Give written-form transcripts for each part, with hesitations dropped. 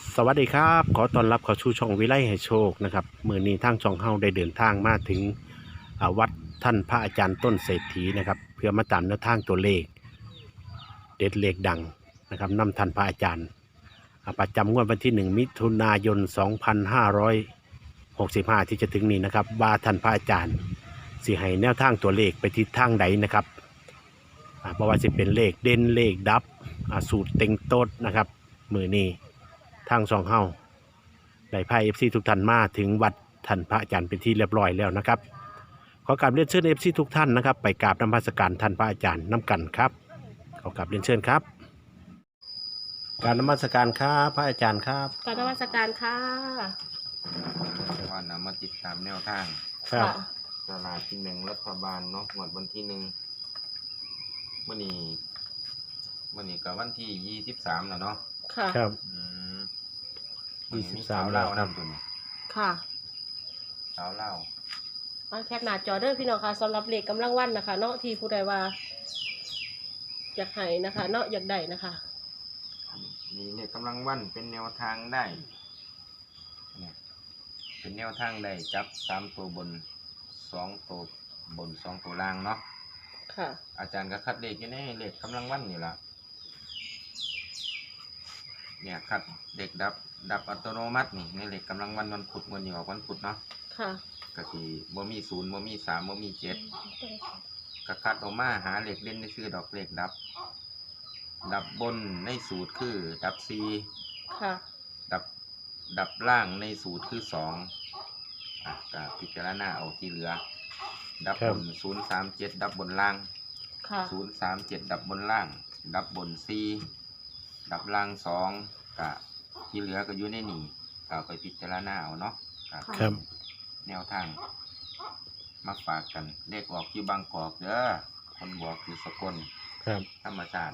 สวัสดีครับขอต้อนรับเข้าสู่ช่องวิไลให้โชคนะครับมื้อนี้ทางช่องเฮาได้เดินทางมาถึงวัดท่านพระอาจารย์ต้นเศรษฐีนะครับเพื่อมาตามแนวทางตัวเลขเด็ดเลขดังนะครับนำท่านพระอาจารย์ประจำงวดวันที่1มิถุนายน2565ที่จะถึงนี้นะครับว่าท่านพระอาจารย์สิให้แนวทางตัวเลขไปทิศทางใดนะครับบ่ว่าสิเป็นเลขเด่นเลขดับสูตรเต็งโต๊ดนะครับมื้อนี้ทางช่องเฮาได้พา FC ทุกท่านมาถึงวัดท่านพระอาจารย์เป็นที่เรียบร้อยแล้วนะครับขอกราบเรียนเชิญ FC ทุกท่านนะครับไปกราบนมัสการท่านพระอาจารย์น้ำกันครับขอกราบเรียนเชิญครับการนมัสการครับพระอาจารย์ครับกรารนมัสการค่ะว่านำมาติดตามแนวทางครับสลากกินแบ่งรัฐบาลเนาะงวดวันที่1มื้อนี้ก็วันที่23แล้วเนาะค่ะครับ 23แล้วนำตัวนี้ค่ะสาวเล่าเอาแคปหน้าจอเด้อพี่น้องค่ะสำหรับเลขกำลังวันนะคะเนาะที่ผู้ใดว่าอยากให้นะคะเนาะอยากได้นะคะนี่เลขกำลังวันเป็นแนวทางได้เนี่ยเป็นแนวทางได้จับ3ตัวบน2ตัวบน2ตัวล่างเนาะค่ะอาจารย์ก็คัดเลขอยู่ในเลขกำลังวันนี่ล่ะเนี่ยคัดเด็กดับอัตโนมัตินี่ในเลขกำลังวันวันพุธวันนี้ออกวันพุธเนาะค่ะก็สิบ่มี0บ่มี3บ่มี7ก็คัดออกมาหาเลขเด่นในคือดอกเลขดับบนในสูตรคือดับ4 ค่ะดับล่างในสูตรคือ2ก็พิจารณาเอาที่เหลือดับบน037ดับบนล่างค่ะ 037ดับบนล่างดับบน4ดับล่าง2ก็ที่เหลือก็อยู่ในนี่ก็ไปพิจารณาเอาเนาะครับแนวทางมาฝากกันเลขออกที่บางกอกเด้อคนบอกอยู่สกลครับธรรมศาสตร์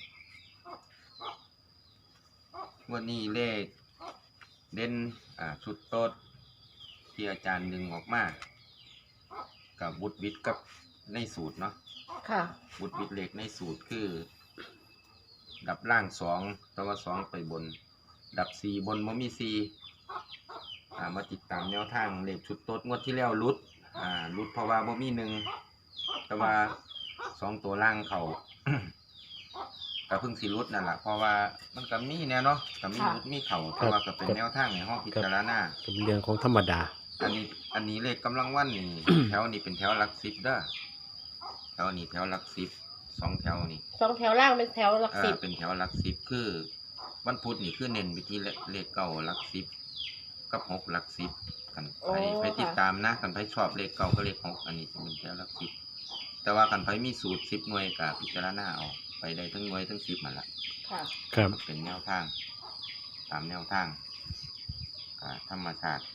วันนี้เลขเด่นชุดโต๊ดที่อาจารย์ดึงออกมากับบุตรวิทย์กับในสูตรเนาะค่ะบุตรวิทย์เลขในสูตรคือดับล่าง2ตัว2ไปบนดับ4บนบ่มี4มาติดตามแนวทางเลขชุดโต๊ดงวดที่แล้วรุดเพราะว่าบ่มี1แต่ว่า2ตัวล่างเขา ก็เพิ่งสิรุดนั่นแหละเพราะว่ามันก็มีแนวเนาะก็มีรุดมีเขาแต่ว่าก็เป็นแนวทางในห้องพิจารณาเป็นเรื่องของธรรมดาอันนี้เลขกำลังวันนี่ แถวนี้เป็นแถวหลัก10เด้อแถวนี้แถวหลัก10 2แถวนี่ 2 แถวล่างเป็นแถวหลักสิบเป็นแถวหลัก10คือวันพุธนี่คือเน้นไปที่เลขเก่าหลัก10กับ6หลัก10กันไปติดตามนะกันไปชอบเลขเก่าก็เลข6อันนี้จะเป็นแถวหลัก10แต่ว่ากันไปมีสูตร10หน่วยก็พิจารณาเอาไปได้ทั้งหน่วยทั้ง10มันละค่ะครับเป็นแนวทางตามแนวทางธรรมชาติ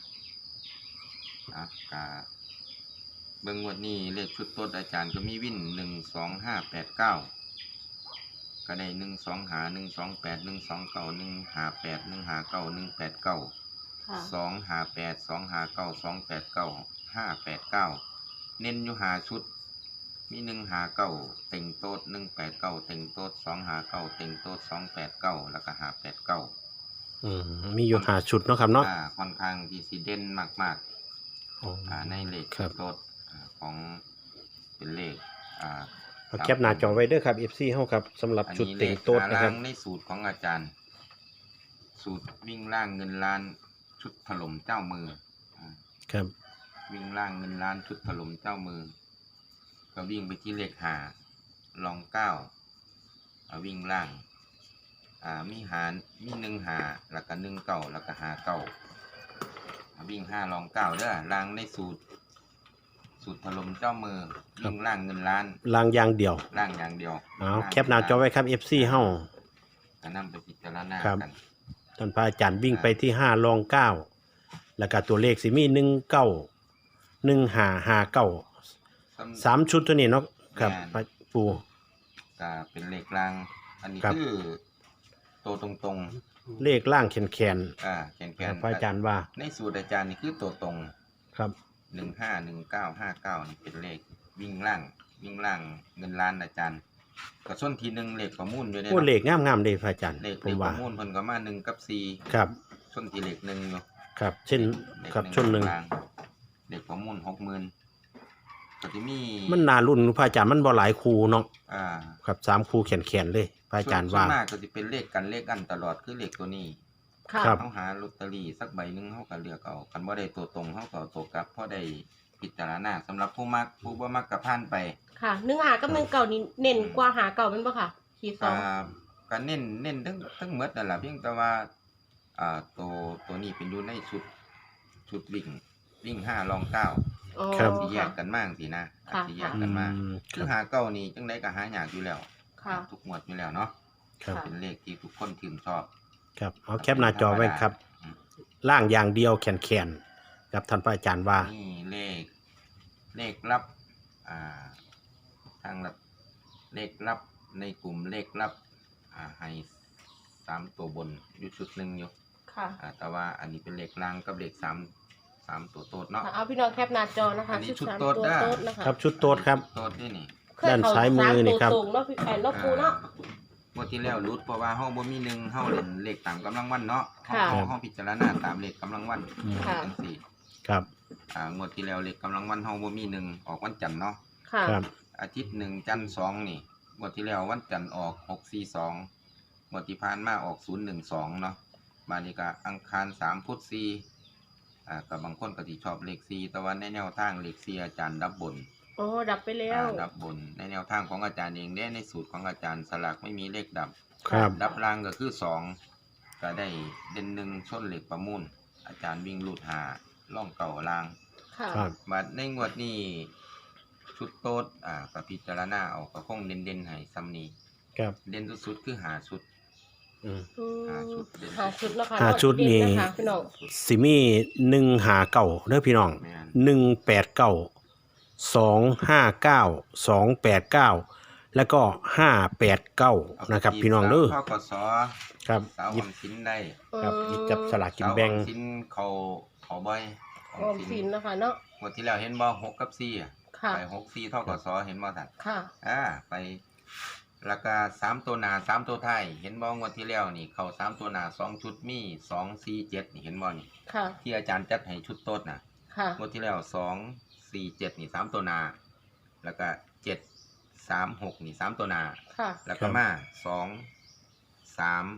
เบิ่งงวดนี้เลขชุดโต๊ดอาจารย์ก็มีวิน12589ก็ได้12หา128 129 158 159 189 258 259 289 589เน้นอยู่หาชุดมี159เต็งโต๊ด189เต็งโต๊ด259เต็งโต๊ด289แล้วก็589 มีอยู่5ชุดเนาะครับเนาะค่อนข้างที่สิเด่นมากๆในเลขชุดโต๊ดของเป็นเลขเอาแคปหน้าจอไว้เด้อครับ FC เฮาครับสำหรับชุดเต็งโต๊ดนะครับในสูตรของอาจารย์สูตรวิ่งล่างเงินล้านชุดถล่มเจ้ามือครับวิ่งล่างเงินล้านชุดถล่มเจ้ามือก็วิ่งไปที่เลข5ลอง9วิ่งล่างมี1 5แล้วก็1 9แล้วก็5 9วิ่ง5ลอง9เด้อล่างในสูตรถล่มเจ้ามือวิ่งล่างเงินล้านล่างอย่างเดียวล่างอย่างเดียวแคปหน้าจอไว้ครับ FC เฮาก็นำไปพิจารณากันท่านพระอาจารย์วิ่งไปที่5ลอง9แล้วก็ตัวเลขสิมี19 1559 3ชุดตัวนี้เนาะครับปู่ก็เป็นเลขล่างอันนี้คือตัวตรงเลขล่างแขนแขนพระอาจารย์ว่าในสูตรอาจารย์นี่คือตัวตรงครับ 151959นี่เป็นเลขวิ่งล่างเงินล้านอาจารย์ก็ส้นที1เลขประมูลอยู่ได้โอ้เลขงามๆเด้พระอาจารย์เลขประมูลเพิ่นก็มา1กับ4 ครับชนที่เลขหนึ่งอยู่ครับเช่นเลขครับชนหนึ่งกลางเลขประมูล60,000ก็จะมีมันนารุ่นพระอาจารย์มันบ่หลายคูเนาะอ่าครับ3คูแขนๆเลยพระอาจารย์ว่าส่วนมากก็จะเป็นเลขกันเลขอันตลอดคือเลขตัวนี้ค่ะครับเขาหาลอตเตอรี่สักใบหนึงเขาก็เลือกเอาคันบ่ได้ตัวตรงเขาก็เอาตัวกลับเพราะได้พิจารณาสำหรับผู้มักผู้บ่มักก็ผ่านไปค่ะ1 หากับ1 เก่านี่เน้นกว่าหาเก่าแม่นบ่ค่ะขีดสองก็เน้นทั้งหมดนั่นล่ะเพียงแต่ว่าตัวนี้เป็นอยู่ในชุดวิ่ง5รอง9 อ๋อครับสิแยค่ะกกันมากสินะค่ะสิแยกกันมากคคืรัอบ หาเก้านี่จังไดก็หายากอยู่แล้วค่ะทุกงวดอยู่แล้วเนาะครับค่ะเป็นเลขที่ทุกคนชื่นชอบครับเอาแคปหน้าจอไว้ครับล่างอย่างเดียวแขนๆครับท่านพระอาจารย์ว่านี่เลขลับทางลับเลขลับในกลุ่มเลขลับให้3ตัวบนอยู่ชุดหนึงอยู่ค่ะแต่ว่าอันนี้เป็นเลขล่างกับเลข3ตัวโตดเนาะเอาพี่น้องแคปหน้าจอนะคะอันนี้ชุดสามโต๊ดตัวได้โต๊ดนะคะครับชุดโต๊ดครับโตดนี่นี่เคยเข้ด้านซ้ายมือนี่ครับสามตัวตรงเนาะพี่เนาะครูเนาะงวดที่แล้วรุดเพราะว่าเฮาบ่มีหนึ่งเฮาเล่นเลขตามกำลังวันเนาะค่ะเฮาพิจารณาตามเลขกำลังวันค่ะจังซี่ครับงวดที่แล้วเลขกำลังวันเฮาบ่มีหนึ่งออกวันจันทร์เนาะค่ะครับอาทิตย์หนึ่งจันทร์สองนี่งวดที่แล้ววันจันทร์ออก642งวดที่ผ่านมาออก012เนาะมานี่ก็อังคาร3พุธ4ก็บางคนก็สิชอบเลข4แต่ว่าในแนวทางเลข4อาจารย์ดับบนโอ้ดับไปแล้วดับบนในแนวทางของอาจารย์เองในสูตรของอาจารย์สลากไม่มีเลขดับครับดับล่างก็คือ2ก็ได้เด่น1ชนเหล็กประมูลอาจารย์วิ่งลูด5ล่องเก่าล่างค่ะครับบัดในงวดนี้ชุดโต๊ดก็พิจารณาเอาก็คงเด่นๆให้ซ้ำนี้ครับเด่นสุดๆคือ5ชุดอืมอืมหาชุดเด่นหาชุดเนาะค่ะหาชุดนี่เะคะพี่น้องสิมี1หาเก่าเด้อพี่น้องแม่น 189 289 แล้วก็589นะครับพี่น้องเด้อทกสครับสาวหยิอบ อมสินได้ครับหยิบจับสลากกินแบ่งสาวออมสินเขาบ่อยออออมมสิสินนนะคะเนาะงวดที่แล้วเห็นบ่6กับ4 ค่ะไป6-4ทกสเห็นบ่ท่านค่ะไปแล้วก็3ตัวหน้า3ตัวท้ายเห็นบ่งวดที่แล้วนี่เข้า3ตัวหน้า2ชุดมี2 4 7นี่เห็นบ่นี่ค่ะที่อาจารย์จัดให้ชุดโต๊ดน่ะค่ะงวดที่แล้ว2 4 7นี่3ตัวหน้าแล้วก็7 3 6นี่3ตัวหน้าค่ะแล้วก็มา2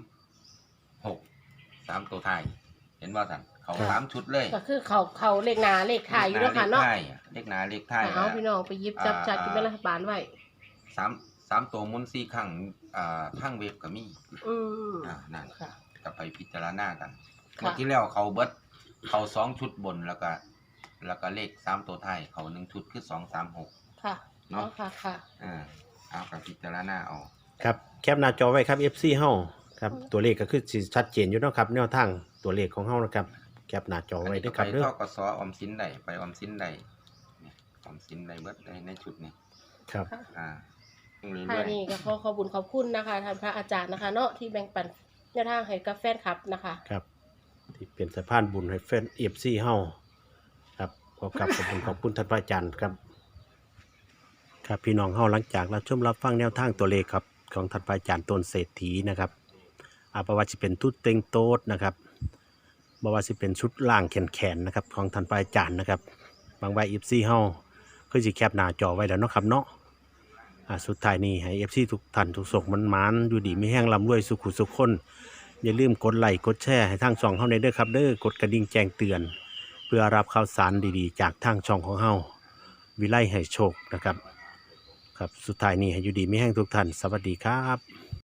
3 6 3ตัวท้ายเห็นบ่ท่านเข้าครับ 3ชุดเลยก็คือเขาเลขหนาเลขถ่ายอยู่เนาะค่ะเนาะเลขหน้าเลขท้ายเอาพี่น้องไปหยิบจับจัดกินเป็นรัฐบาลไว้ 3ตัวหมุน4ครั้งทางเว็บก็มีอืมนั่นค่ะก็ไปพิจารณากันค่ะเมื่อที่แล้วเขาเบิดเขา2ชุดบนแล้วก็เลข3ตัวท้ายเขา1ชุดคือ2 3 6 ค่ะเนาะค่ะค่ะเอากับพิจารณาเอาครับแคปหน้าจอไว้ครับ FC เฮาครับตัวเลขก็คือสิชัดเจนอยู่เนาะครับแนวทางตัวเลขของเฮานะครับแคปหน้าจออันไว้นี้ด้ก็วยคไปรับเด้อทกสออมสินได้ไปออมสินได้เนี่ยออมสินได้เบิดได้ในชุดนี้ครับเรื่ค่ะอยนี่ก็ขอบุญขอบคุณนะคะท่านพระอาจารย์นะคะ เนาะที่แบ่งปันแนวทางให้กับแฟนคลับนะคะครับที่เป็นสะพานบุญให้แฟน FC เฮาครับขอบคุณท่านพระอาจารย์ครับครับพี่น้องเฮาหลังจากรับชมรับฟังแนวทางตัวเลขครับของท่านพระอาจารย์ต้นเศรษฐีนะครับบ่ว่าสิเป็นทุดเต็งโต๊ดนะครับบ่ว่าสิเป็นชุดล่างแขนๆนะครับของท่านพระอาจารย์นะครับบางใบ FC เฮาคือสิแคปหน้าจอไว้แล้วเนาะครับเนาะสุดท้ายนี้ให้ FC ทุกท่านทุกศกมันหมานอยู่ดีมีแห้งร่ำรวยสุขุสุขคนอย่าลืมกดไลค์กดแชร์ให้ทางช่องเฮาในเด้อครับเด้อกดกระดิ่งแจ้งเตือน เพื่อรับข่าวสารดีๆ จากทางช่องของเฮาวิไลให้โชคนะครับครับสุดท้ายนี้ให้อยู่ดีมีแห้งทุกท่านสวัสดีครับ